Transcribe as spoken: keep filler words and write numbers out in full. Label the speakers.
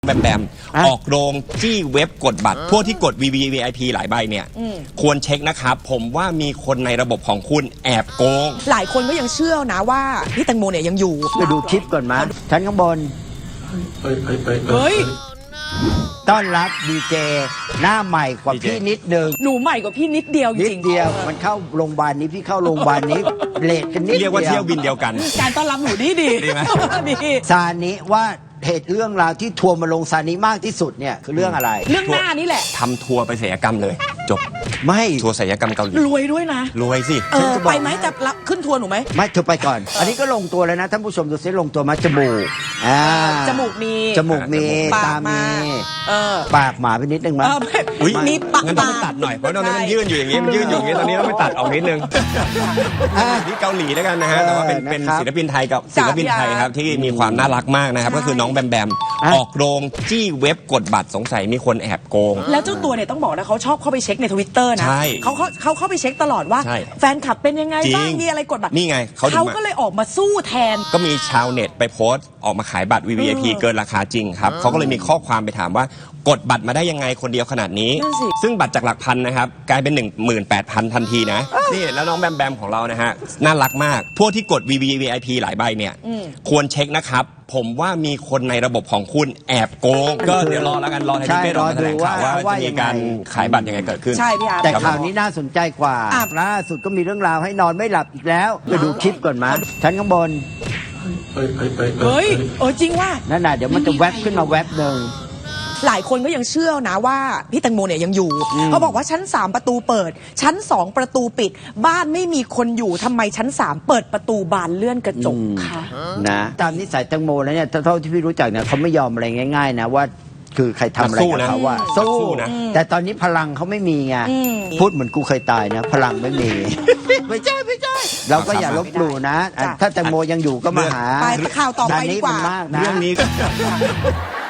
Speaker 1: แบมแบมออกโรงจี้เว็บกดบัตรพวกที่กด วี วี วี ไอ พี หลายใบเนี่ยควรเช็คนะครับผมว่ามีคนในระบบของคุณแอบโกง
Speaker 2: หลายคนก็ยังเชื่อนะว่าพี่แตงโมเนี่ยยังอยู่
Speaker 3: ไปดูคลิปก่อนมาชั้นข้างบน
Speaker 2: เฮ้ย
Speaker 3: ต้อนรับดีเจหน้าใหม่กว่าพี่นิดนึง
Speaker 2: หนูใหม่กว่าพี่นิดเดียวจริง
Speaker 3: นิดเดียวมันเข้าโรงพยาบาลนี้พี่เข้าโรงพยาบาลนี้เลทกันนิดเดียว
Speaker 1: เรียกว่าเที่ยวบินเดียวกัน
Speaker 2: การต้อนรับหนูดีดี
Speaker 1: ดีไหม
Speaker 2: ดี
Speaker 3: ซานิว่าเหตุเรื่องราวที่ทัวร์มาลงซานิมากที่สุดเนี่ยคือเรื่องอะไร
Speaker 2: เรื่องหน้านี่แหละ
Speaker 1: ทำทัวร์ไปศัลยกรรมเลยจบ
Speaker 3: ไม่
Speaker 1: ทัวร์ศัลยกรรมเกาหลี
Speaker 2: รวยด้วยนะ
Speaker 1: รวยสิ
Speaker 2: เออไปไหมจะรับขึ้นทัวร์หนูไหม
Speaker 3: ไม่เธอไปก่อนอันนี้ก็ลงตัวแล้วนะท่านผู้ชมดูซิลงตัวมาจมูกอ่า
Speaker 2: จมูกมี
Speaker 3: จมูกมีตามี
Speaker 2: เออ
Speaker 3: ปากหมาไปนิดนึงมั้ย
Speaker 2: มีปาก
Speaker 1: งั้นต้องไปตัดหน่อยเพราะตอนนี้มันยื่นอยู่อย่างงี้มันยื่นอยู่อย่างงี้ตอนนี้ต้องไปตัดออกนิดนึงที่เกาหลีแล้วกันนะฮะแต่ว่าเป็นเป็นศิลปินไทยกับศิลปินไทยครับที่มีความน่ารักมากนะครับก็คือน้องแบมแบมออกโรงจี้เว็บกดบัตรสงสัยมีคนแอบโกง
Speaker 2: แล้วเจ้าตัวเนี่ยต้องบอกนะเขาชอบเข้าไปเช็คในทวิตเตอร์นะเขาเขาเขาเข้าไปเช็คตลอดว่าแฟนคลับเป็นยังไงบ้างมีอะไรกดบัตร
Speaker 1: นี่ไง
Speaker 2: เขาก็เลยออกมาสู้แทน
Speaker 1: ก็มีชาวเน็ตไปโพสต์ออกมาขายบัตร วี วี ไอ พี เกินราคาจริงครับเขาก็เลยมีข้อความไปถามว่ากดบัตรมาได้ยังไงคนเดียวขนาดนี้ซึ่งบัตรจากหลักพันนะครับกลายเป็น หนึ่งหมื่นแปดพัน ทันทีนะนี่แล้วน้องแบมแบมของเรานะฮะน่ารักมากพวกที่กด วี วี วี ไอ พี หลายใบเนี่ยควรเช็คนะครับผมว่ามีคนในระบบของคุณแอบโกงก็เดี๋ยวรอแล้วกันรอให้พี่เป้รอแถลงข่าวว่าจะมีการขายบัตรยังไงเกิดขึ้น
Speaker 2: ใช่พี่อาร์
Speaker 3: แต่ข่าวนี้น่าสนใจกว่าล่าสุดก็มีเรื่องราวให้นอนไม่หลับอีกแล้วไปดูคลิปก่อนมาชั้นข้างบน
Speaker 2: เฮ้ยเออจริงว่า
Speaker 3: นั่นน่ะเดี๋ยวมันจะแวบขึ้นมาแวบหนึ่ง
Speaker 2: หลายคนก็ยังเชื่อนะว่าพี่แตงโมเนี่ยยังอยู่เขาบอกว่าชั้นสามประตูเปิดชั้นสองประตูปิดบ้านไม่มีคนอยู่ทำไมชั้นสามเปิดประตูบานเลื่อนกระจกคะ
Speaker 3: นะตามนิสัยแตงโมแล้วเนี่ยเท่าที่พี่รู้จักเนี่ยเขาไม่ยอมอะไรง่ายๆนะว่าคือใครทำอะไรกับเขาว่าสู้นะแต่ตอนนี้พลังเขาไม่มีไงพูดเหมือนกูเคยตายนะพลังไม่มีไม่ใช่ไม่ใช่เราก็อย่าลบหลู่นะถ้าแตงโมยังอยู่ก็มาหา
Speaker 2: ไปข่าวต่อไปดีกว่า
Speaker 1: เรื่องนี้